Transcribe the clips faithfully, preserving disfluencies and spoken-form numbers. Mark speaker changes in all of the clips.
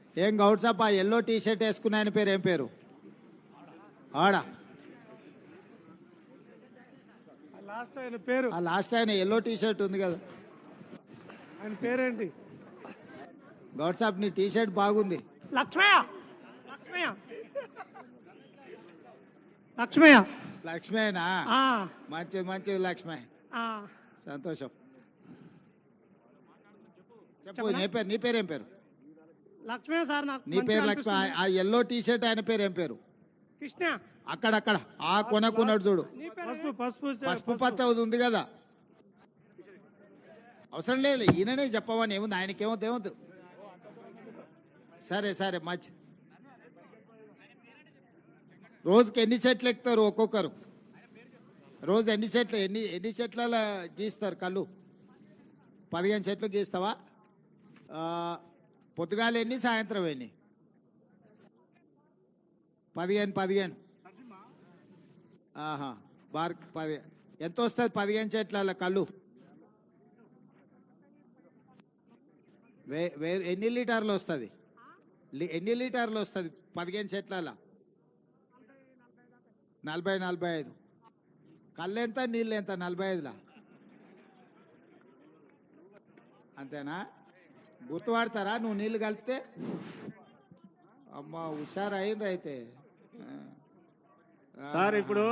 Speaker 1: ఏం గౌడ్ సాబ్, ఆ yellow T shirt వేసుకున్న ఆయన పేరు ఏం పేరు? ఆడా
Speaker 2: లాస్ట్ ఆయన పేరు
Speaker 1: ఆ లాస్ట్ ఆయన ఎల్లో టీ షర్ట్ ఉంది కదా,
Speaker 2: ఆయన పేరేంటి?
Speaker 1: గౌడ్ సాబ్ నీ టీ షర్ట్ బాగుంది.
Speaker 2: లక్ష్మయ్య లక్ష్మయ్య లక్ష్మయ్య
Speaker 1: లక్ష్మేనా?
Speaker 2: ఆ,
Speaker 1: మంచిది మంచిది లక్ష్మే,
Speaker 2: ఆ.
Speaker 1: సంతోషం. చెప్పు నీ పేరు, నీ పేరు ఏం పేరు?
Speaker 2: లక్ష్మయ్య సార్, నాకు
Speaker 1: నీ
Speaker 2: మంచిగా
Speaker 1: పేరు లక్ష్మి.
Speaker 2: అనిపిస్తుంది.
Speaker 1: ఆ ఎల్లో టీ షర్ట్ ఆయన పేరు ఏం పేరు?
Speaker 2: కృష్ణ.
Speaker 1: అక్కడక్కడ ఆ కొనకున్నాడు చూడు,
Speaker 2: నీ పేరు? పసుపు పసుపు
Speaker 1: పసుపు పచ్చ ఉంది కదా. అవసరం లేదు, ఈయననే చెప్పమని ఏముంది, ఆయనకేమవుతుంది ఏమవుతుంది. సరే సరే మంచి. రోజుకి ఎన్ని చెట్లు ఎక్కుతారు ఒక్కొక్కరు? రోజు ఎన్ని చెట్లు, ఎన్ని ఎన్ని చెట్ల గీస్తారు కళ్ళు? పదిహేను చెట్లు గీస్తావా? ఆ, పొద్దుగాల ఎన్ని, సాయంత్రం ఎన్ని? పదిహేను పదిహేను ఆహా, బార్ పది. ఎంత వస్తుంది పదిహేను చెట్ల కళ్ళు? వే వే ఎన్ని లీటర్లు వస్తుంది? ఎన్ని లీటర్లు వస్తుంది పదిహేను చెట్ల? నలభై నలభై ఐదు. కళ్ళు ఎంత, నీళ్ళు ఎంత? నలభై ఐదులా అంతేనా? గుర్తుపడతారా నువ్వు నీళ్ళు కలిపితే? అమ్మ హుషారు అయిండ్రు అయితే.
Speaker 3: సార్ ఇప్పుడు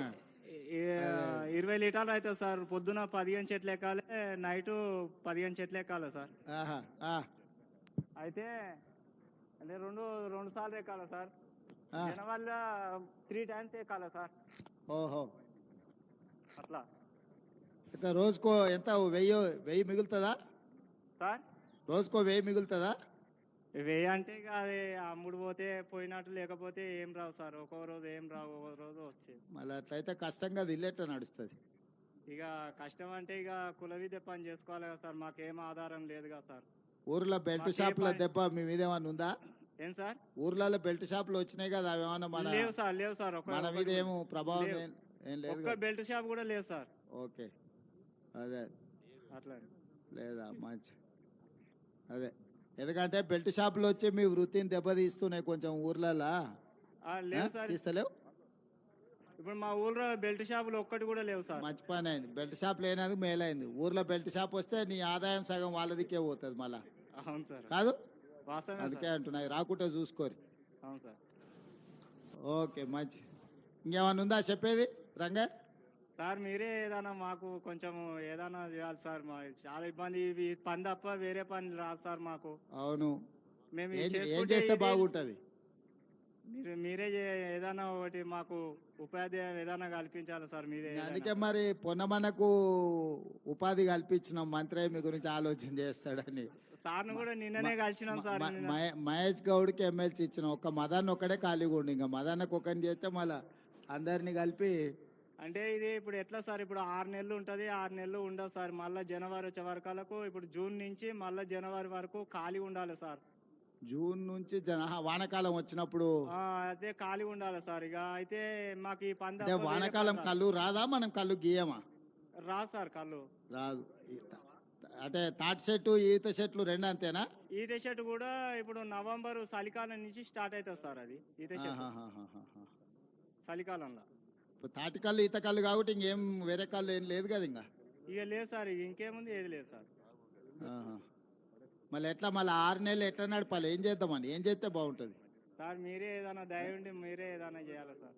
Speaker 3: ఇరవై లీటర్లు అవుతుంది సార్. పొద్దున పదిహేను చెట్లు ఎక్కాలి, నైట్ పదిహేను చెట్లు ఎక్కాలి సార్.
Speaker 1: ఆహా, ఆ,
Speaker 3: అయితే అంటే రెండు రెండు సార్లు ఎక్కాలి సార్.
Speaker 1: ఆ.
Speaker 3: వల్ల త్రీ టైమ్స్ ఎక్కాలి సార్.
Speaker 1: ఓహో,
Speaker 3: అట్లా
Speaker 1: అయితే రోజుకో ఎంత, వెయ్యి వెయ్యి మిగులుతుందా
Speaker 3: సార్.
Speaker 1: రోజుకో వెయ్యి మిగులుతుందా?
Speaker 3: వెయ్యి అంటే ఇక అది అమ్ముడు పోతే పోయినట్టు, లేకపోతే ఏం రావు సార్. ఒక్కో రోజు ఏం రావు, ఒక్కో రోజు వచ్చేది.
Speaker 1: మళ్ళీ అట్లయితే కష్టంగా అది ఇల్లేట నడుస్తుంది.
Speaker 3: ఇక కష్టం అంటే ఇక కుల విద్య పని చేసుకోవాలి కదా సార్. మాకేం ఆధారం లేదు కదా సార్.
Speaker 1: ఊర్లో బెల్ట్
Speaker 3: మాకే
Speaker 1: షాపుల
Speaker 3: పని-
Speaker 1: దెబ్బ మీ మీద ఏమన్నా ఉందా?
Speaker 3: ఏం సార్?
Speaker 1: ఊర్లలో బెల్ట్ షాపులు వచ్చినాయి కదా, అవి ఏమన్నా మన
Speaker 3: లేవు సార్, లేవు సార్. ఒక్క-
Speaker 1: మన మీద
Speaker 3: ఒక్కటి
Speaker 1: ఏమో ప్రభావం
Speaker 3: లేవు.
Speaker 1: ఏం ఏం లేదు
Speaker 3: ఒక్క
Speaker 1: కదా?
Speaker 3: బెల్ట్ షాప్ కూడా లేదు సార్.
Speaker 1: ఓకే, అదే
Speaker 3: అట్లా
Speaker 1: లేదా మంచి. అదే, ఎందుకంటే బెల్ట్ షాపులు వచ్చి మీ వృత్తిని దెబ్బతీస్తున్నాయి కొంచెం ఊర్లలో.
Speaker 3: ఆ, లేవు సార్.
Speaker 1: తీస్తలేవు?
Speaker 3: ఇప్పుడు మా ఊళ్ళో బెల్ట్ షాపులు ఒక్కటి కూడా లేవు సార్.
Speaker 1: మంచి పని అయింది, బెల్ట్ షాప్ లేనది మేలైంది. ఊర్లో బెల్ట్ షాప్ వస్తే నీ ఆదాయం సగం వాళ్ళదికే పోతుంది మళ్ళా,
Speaker 3: అవును సార్,
Speaker 1: కాదు?
Speaker 3: వాస్తవమే
Speaker 1: అందుకే
Speaker 3: సార్.
Speaker 1: అంటున్నాయి, రాకుంటే చూసుకోరు.
Speaker 3: అవును సార్.
Speaker 1: ఓకే మంచి. ఇంకేమన్నా ఉందా చెప్పేది రంగా?
Speaker 3: సార్ మీరే ఏదైనా మాకు కొంచెం ఏదైనా చేయాలి సార్. మా చాలా ఇబ్బంది, ఇవి పని తప్ప వేరే పని రాదు సార్ మాకు.
Speaker 1: అవును,
Speaker 3: మేము
Speaker 1: ఏం
Speaker 3: ఇది
Speaker 1: ఏం
Speaker 3: చేసుకుంటే
Speaker 1: చేస్తే
Speaker 3: ఇది-
Speaker 1: బాగుంటుంది?
Speaker 3: మీరు మీరే చే- ఏదైనా ఒకటి మాకు ఉపాధ్యాయం ఏదైనా కల్పించాలి సార్. మీరే ఏదైనా.
Speaker 1: అందుకే మరి పొన్నమనకు ఉపాధి కల్పించిన మంత్రి మీ గురించి ఆలోచన చేస్తాడని.
Speaker 3: సార్ను కూడా నిన్ననే కలిసినాం సార్.
Speaker 1: మ-
Speaker 3: నిన్న.
Speaker 1: మహే- మహేష్ గౌడ్కి ఎమ్మెల్సీ ఇచ్చిన ఒక్క మదాన్ని ఒక్కడే ఖాళీగా ఉండి, ఇంకా మదాన్నకు ఒకరిని చేస్తే మళ్ళా అందరినీ కలిపి.
Speaker 3: అంటే ఇది ఇప్పుడు ఎట్లా సార్? ఇప్పుడు ఆరు నెలలు ఉంటుంది, ఆరు నెలలు ఉండదు సార్. మళ్ళీ జనవరి వచ్చే వరకలకు, ఇప్పుడు జూన్ నుంచి మళ్ళీ జనవరి వరకు ఖాళీ ఉండాలి సార్.
Speaker 1: జూన్ నుంచి జన ఆహా, వానాకాలం వచ్చినప్పుడు.
Speaker 3: ఆ, అయితే ఖాళీ ఉండాలి సార్. ఇక అయితే మాకు ఈ పంద
Speaker 1: అంటే వానాకాలం కళ్ళు రాదా, మనం కళ్ళు గీయమా?
Speaker 3: రాదు సార్ కళ్ళు.
Speaker 1: రాదు. ఈ- అంటే తాటి చెట్టు ఈత చెట్లు రెండు అంతేనా?
Speaker 3: ఈత చెట్టు కూడా ఇప్పుడు నవంబర్ చలికాలం నుంచి స్టార్ట్ అవుతుంది సార్. అది ఈత చెట్టు
Speaker 1: ఆహాహాహాహా.
Speaker 3: చలికాలంలో.
Speaker 1: ఇప్పుడు తాటి కళ్ళు ఈత కళ్ళు కాబట్టి ఇంకేం వేరే కళ్ళు ఏం లేదు కదా ఇంకా.
Speaker 3: ఇక లేదు సార్, ఇక ఇంకేముంది, ఏది లేదు సార్.
Speaker 1: ఆహా. మళ్ళీ ఎట్లా, మళ్ళీ ఆరు నెలలు ఎట్లా నడపాలి? ఏం చేద్దామని, ఏం చేస్తే బాగుంటుంది?
Speaker 3: సార్ మీరే ఏదైనా దయ ఉండి మీరే ఏదైనా చేయాలి సార్.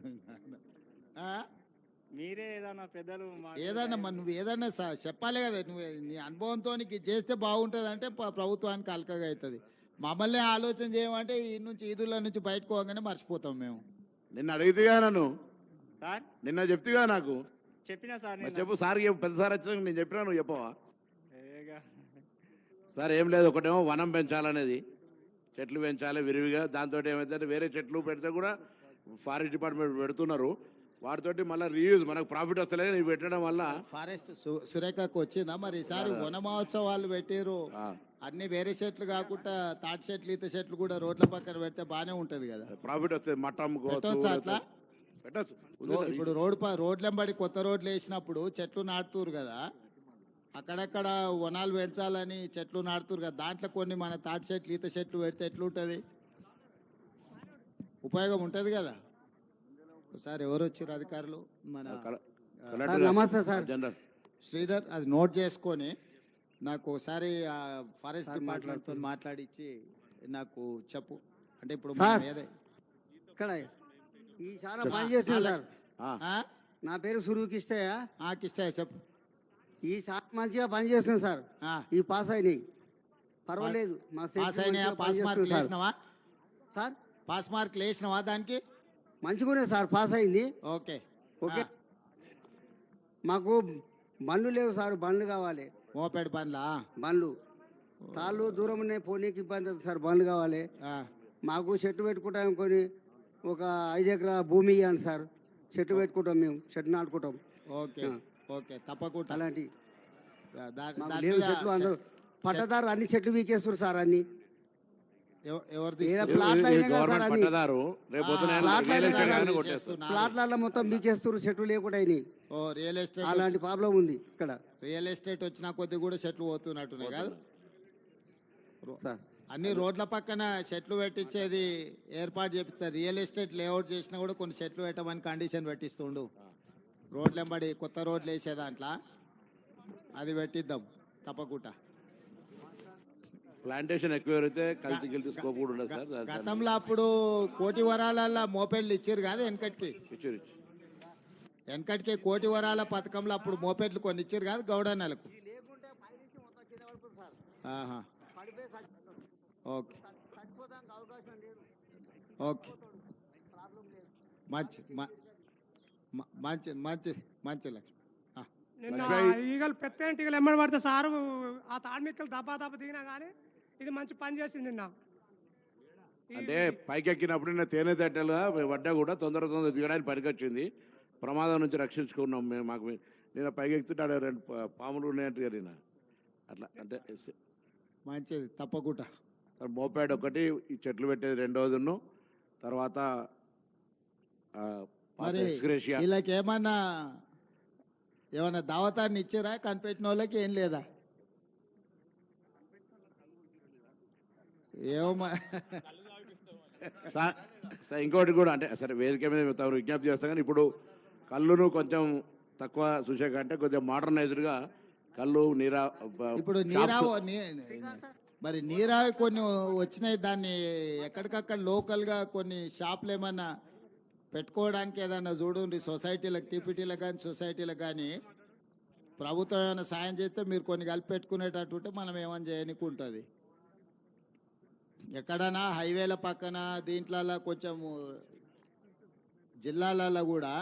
Speaker 1: ఆ?
Speaker 3: మీరే ఏదైనా పెద్దలు మాకు
Speaker 1: ఏదన్నా
Speaker 3: దయ
Speaker 1: మరి నువ్వు ఏదన్నా స- చెప్పాలి కదా, నువ్వు నీ అనుభవంతో నీకు ఇది చేస్తే బాగుంటుంది అంటే ప- ప్రభుత్వానికి అలకగా అవుతుంది. మమ్మల్ని ఆలోచన చేయమంటే ఈ నుంచి ఈదుల నుంచి బయటకు పోగానే మర్చిపోతాం మేము.
Speaker 4: నిన్న అడిగితేగా నన్ను,
Speaker 3: సార్
Speaker 4: నిన్న చెప్తిగా నాకు.
Speaker 3: చెప్పినా సార్
Speaker 4: మరి
Speaker 3: నేను.
Speaker 4: చెప్పు సార్, చెప్పు. పెద్ద సార్ వచ్చినాక నేను చెప్పినా, నువ్వు చెప్పవా?
Speaker 3: ఏగా.
Speaker 4: సార్ ఏం లేదు, ఒకటేమో వనం పెంచాలనేది, చెట్లు పెంచాలి విరివిగా. దాంతో ఏమైతే వేరే చెట్లు పెడితే కూడా ఫారెస్ట్ డిపార్ట్మెంట్ పెడుతున్నారు, వాటితోటి మళ్ళీ రీయూజ్ మనకు ప్రాఫిట్ వస్తలేదు. ఇవి పెట్టడం వల్ల
Speaker 1: ఫారెస్ట్ సు- సురేఖకు వచ్చిందా మరి ఈసారి వన మహోత్సవాలు పెట్టిరు?
Speaker 4: ఆ,
Speaker 1: అన్ని వేరే చెట్లు కాకుండా తాటి చెట్లు ఈత చెట్లు కూడా రోడ్ల పక్కన పెడితే బానే ఉంటది కదా.
Speaker 4: ప్రాఫిట్ వస్తుంది. మట్టం
Speaker 1: పెట్టొచ్చా అట్లా?
Speaker 4: పెట్టచ్చు.
Speaker 1: రో- ఇప్పుడు రోడ్ ప రోడ్లెంబడి కొత్త రోడ్లు వేసినప్పుడు చెట్లు నాటుతురు కదా, అక్కడక్కడ వనాలు పెంచాలని చెట్లు నాటుతురు కదా, దాంట్లో కొన్ని మన తాటి చెట్లు ఈత చెట్లు పెడితే ఎట్లుంటుంది, ఉపయోగం ఉంటుంది కదా. ఒకసారి ఎవరు వచ్చారు అధికారులు, మన
Speaker 4: కల-
Speaker 1: ఆ,
Speaker 4: కలెక్టర్
Speaker 5: నమస్తే సార్.
Speaker 4: జనరల్
Speaker 1: శ్రీధర్, అది నోట్ చేసుకొని నాకు ఒకసారి ఆ ఫారెస్ట్ డిపార్ట్మెంట్తో మాట్లాడించి నాకు చెప్పు. అంటే ఇప్పుడు
Speaker 5: సార్.
Speaker 1: మనం ఏదే
Speaker 5: ఇక్కడ ఈ చాలా పని చేస్తుంది సార్.
Speaker 4: ఆ,
Speaker 1: ఆ?
Speaker 5: నా పేరు సురుకిష్టయ్య.
Speaker 1: ఆ, కిష్టయ్య చెప్పు.
Speaker 5: ఈ చాలా మంచిగా పని చేస్తుంది సార్.
Speaker 1: ఆ,
Speaker 5: ఈ పాస్ అయినాయి, పర్వాలేదు. మా
Speaker 1: పాస్
Speaker 5: సెక్రటరీ
Speaker 1: అయినాయా?
Speaker 5: మంచిగా
Speaker 1: పాస్
Speaker 5: పని
Speaker 1: మార్కులు
Speaker 5: చేస్తుంది
Speaker 1: వేసినావా?
Speaker 5: సార్.
Speaker 1: పాస్ మార్కులు వేసినావా దానికి?
Speaker 5: మంచిగానే సార్, పాస్ అయింది.
Speaker 1: Okay
Speaker 5: okay.
Speaker 1: ఆ,
Speaker 5: మాకు బండ్లు లేవు సార్, బండ్లు కావాలి.
Speaker 1: మోపెడ్ పనులా?
Speaker 5: బండ్లు తాళ్ళు దూరం ఉన్నాయి, పోనీకి ఇబ్బంది అవుతుంది సార్, బండ్లు కావాలి.
Speaker 1: ఆ,
Speaker 5: మాకు చెట్టు పెట్టుకుంటాం, కొని ఒక ఐదు ఎకరాల భూమి ఇవ్వండి సార్. చెట్టు పెట్టుకుంటాం, మేము చెట్టు నాటుకుంటాం.
Speaker 1: ఓకే ఓకే తప్పకుండా.
Speaker 5: అలాంటి
Speaker 1: దా- దా-
Speaker 5: మాకు
Speaker 1: దాని
Speaker 5: లేవు
Speaker 1: మీద
Speaker 5: చెట్లు. అందరూ పట్టదారు అన్ని చెట్లు వీకేస్తారు సార్. అన్ని
Speaker 1: ఎవ- ఎవరు
Speaker 5: ఏదో
Speaker 1: తీస్తారు?
Speaker 5: ప్లాట్లు
Speaker 4: ఇది
Speaker 5: అయినా కదా సార్,
Speaker 4: గవర్నమెంట్
Speaker 5: అన్ని
Speaker 4: పట్టదారు రేపు పొద్దున
Speaker 1: ఆ,
Speaker 4: ఏమైనా
Speaker 5: ప్లాట్లు
Speaker 4: రియల్
Speaker 5: అయినా
Speaker 4: ఎస్టేట్
Speaker 5: కదా
Speaker 4: ఆయన
Speaker 1: తీసేస్తున్నారు.
Speaker 4: కొట్టేస్తారు.
Speaker 5: ప్లాట్లలో మొత్తం వీకేస్తారు, చెట్లు లేకుండా అయినాయి.
Speaker 1: ఓ రియల్ ఎస్టేట్
Speaker 5: అలాంటి ప్రాబ్లం ఉంది ఇక్కడ
Speaker 1: రియల్ ఎస్టేట్ వచ్చిన కొద్ది కూడా చెట్లు పోతున్నట్టున్నాయి కాదు.
Speaker 5: సార్.
Speaker 1: అన్ని రోడ్ల పక్కన చెట్లు పెట్టించేది ఏర్పాటు చేపిస్తారు. రియల్ ఎస్టేట్ లేఅవుట్ చేసినా కూడా కొన్ని చెట్లు పెట్టమని కండిషన్ పెట్టిస్తుండు. రోడ్లు వెంబడి కొత్త రోడ్లు వేసే దాంట్లో అది పెట్టిద్దాం తప్పకుండా.
Speaker 4: ప్లాంటేషన్ ఎక్కువ అయితే కలిసి గెలిచి స్కోప్ కూడా ఉండదు సార్. దాని- దాని-
Speaker 1: గతంలో అప్పుడు కోటి వరాలల్లో మోపెడ్లు ఇచ్చారు కాదు వెనకటికి.
Speaker 4: ఇచ్చారు, ఇచ్చారు.
Speaker 1: వెనకటికి కోటి వరాల పథకంలో అప్పుడు మోపెడ్లు కొన్ని ఇచ్చారు కాదు గౌడన్నలకు. ఆహా. ఓకే ఓకే మంచి మ- మ- మంచి మంచి మంచి లక్ష్మి. ఆ,
Speaker 2: నిన్న
Speaker 4: లక్ష్మయ్య.
Speaker 2: ఈగలు పెద్ద ఈగలు ఎమ్మడి పడితే సారు ఆ తాడిమిక్కలు దబ్బా దబ్బ దిగినా కానీ ఇది మంచి పని చేసింది నిన్న. ఈ-
Speaker 4: అంటే పైకి ఎక్కినప్పుడు నేను తేనె తట్టెలుగా పడ్డా కూడా తొందర తొందర దిగడానికి పనికొచ్చింది. ప్రమాదం నుంచి రక్షించుకున్నాం మేము. మాకు నేను పైకి ఎక్కుతుంటే ఆడ రెండు పా- పాములు ఉన్నాయంటే నేను అట్లా అంటే
Speaker 1: మంచిది తప్పకుండా.
Speaker 4: మోపాడ్ ఒకటి, ఈ చెట్లు పెట్టేది రెండోదిను, తర్వాత ఆ, పాత
Speaker 1: మరి
Speaker 4: ఎక్స్గ్రేషియా.
Speaker 1: వీళ్ళకి ఏమన్నా ఏమన్నా దావతాన్ని ఇచ్చారా కనిపెట్టిన వాళ్ళకి? ఏం లేదా? ఏమో మ-
Speaker 4: సా- సా- ఇంకోటి కూడా అంటే సరే వేదిక మీద మేము తమరు విజ్ఞప్తి చేస్తాం కానీ ఇప్పుడు కళ్ళును కొంచెం తక్కువ చూసాక అంటే కొంచెం మోడర్నైజ్డ్గా కళ్ళు నీరా బ-
Speaker 1: ఇప్పుడు
Speaker 4: షాప్స్.
Speaker 1: నీరావ నీ- మరి నీరావి కొన్ని వచ్చినాయి, దాన్ని ఎక్కడికక్కడ లోకల్గా కొన్ని షాపులు ఏమన్నా పెట్టుకోవడానికి ఏదన్నా చూడండి. సొసైటీలకు, టీపీటీలకు కానీ సొసైటీలకు కానీ ప్రభుత్వం ఏమైనా సాయం చేస్తే మీరు కొన్ని కలిపి పెట్టుకునేటట్టు ఉంటే మనం ఏమైనా చేయనికి ఉంటుంది. ఎక్కడైనా హైవేల పక్కన దీంట్లలో కొంచెం జిల్లాలలో కూడా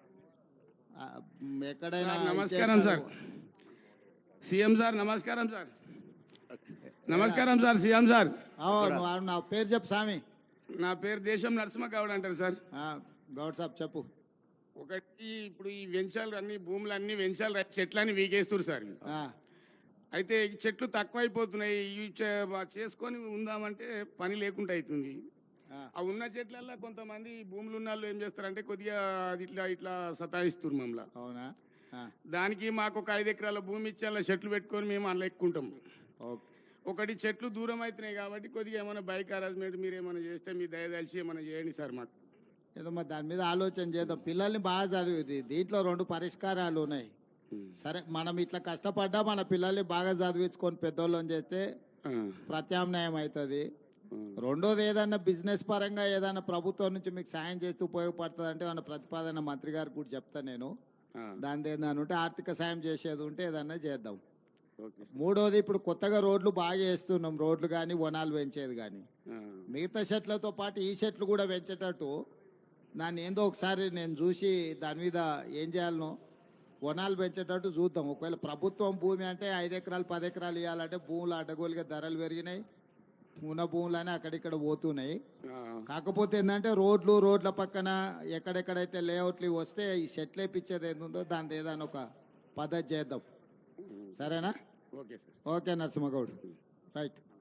Speaker 1: ఆ, ఎక్కడైనా
Speaker 6: సార్, నమస్కారం
Speaker 1: ఇచ్చేస్తారు.
Speaker 6: సార్. సీఎం సార్ నమస్కారం సార్. నమస్కారం సార్ సీఎం సార్.
Speaker 1: అవును, అవును, నా పేరు చెప్పు స్వామి.
Speaker 6: నా పేరు దేశం నరసింహ గౌడ్ అంటారు సార్.
Speaker 1: ఆ, గౌడ్ సాబ్ చెప్పు.
Speaker 6: ఒకటి ఇప్పుడు ఈ వెంచాలు అన్ని భూములు అన్ని వెంచాలు చెట్లన్నీ వీకేస్తారు సార్.
Speaker 1: ఆ,
Speaker 6: అయితే ఈ చెట్లు తక్కువైపోతున్నాయి. ఇవి చే- చేసుకొని ఉందామంటే పని లేకుండా అవుతుంది.
Speaker 1: ఆ,
Speaker 6: ఆ ఉన్న చెట్లల్లో కొంతమంది భూములు ఉన్న వాళ్ళు ఏం చేస్తారంటే కొద్దిగా అది ఇట్లా ఇట్లా సతాయిస్తారు మమ్మల్ని.
Speaker 1: అవునా? ఆ,
Speaker 6: దానికి మాకు ఒక ఐదు ఎకరాల భూమి ఇచ్చి అలా చెట్లు పెట్టుకొని మేము అందులో ఎక్కుంటాం.
Speaker 1: ఓకే.
Speaker 6: ఒకటి చెట్లు దూరం అవుతున్నాయి కాబట్టి కొద్దిగా ఏమైనా బైక్ అరేంజ్మెంట్ మీరు ఏమైనా చేస్తే మీ దయదలిచి ఏమైనా చేయండి సార్ మాకు.
Speaker 1: ఏదో మరి దాని మీద ఆలోచన చేద్దాం. పిల్లల్ని బాగా చదివి దీంట్లో రెండు పరిష్కారాలు ఉన్నాయి. సరే, మనం ఇట్లా కష్టపడ్డా మన పిల్లల్ని బాగా చదివించుకొని పెద్దోళ్ళని చేస్తే
Speaker 6: ఆ,
Speaker 1: ప్రత్యామ్నాయం అవుతుంది.
Speaker 6: ఆ.
Speaker 1: రెండోది ఏదన్నా బిజినెస్ పరంగా ఏదైనా ప్రభుత్వం నుంచి మీకు సాయం చేస్తూ ఉపయోగపడుతుంది అంటే మన ప్రతిపాదన మంత్రి గారికి కూడా చెప్తాను నేను.
Speaker 6: ఆ,
Speaker 1: దాని ఏదైనా ఉంటే ఆర్థిక సాయం చేసేది ఉంటే ఏదన్నా చేద్దాం.
Speaker 6: Okay sir.
Speaker 1: మూడోది ఇప్పుడు కొత్తగా రోడ్లు బాగా వేస్తున్నాం, రోడ్లు కానీ వనాలు పెంచేది కానీ.
Speaker 6: ఆ,
Speaker 1: మిగతా చెట్లతో పాటు ఈ చెట్లు కూడా పెంచేటట్టు దాన్ని ఏందో ఒకసారి నేను చూసి దాని మీద ఏం చేయాలనో వనాలు పెంచేటట్టు చూద్దాం. ఒకవేళ ప్రభుత్వం భూమి అంటే ఐదు ఎకరాలు పది ఎకరాలు ఇవ్వాలంటే భూములు అడ్డగోలుగా ధరలు పెరిగినాయి, ఉన్న భూములని అక్కడిక్కడ పోతున్నాయి.
Speaker 6: ఆ,
Speaker 1: కాకపోతే ఏంటంటే రోడ్లు రోడ్ల పక్కన ఎక్కడెక్కడైతే లేఅవుట్లు ఇవి వస్తే ఈ చెట్లు వేపించేది ఏందో దాని ఏదైనా ఒక పద్ధతి చేద్దాం. సరేనా?
Speaker 6: Okay sir.
Speaker 1: Okay Narasimhagoud, right.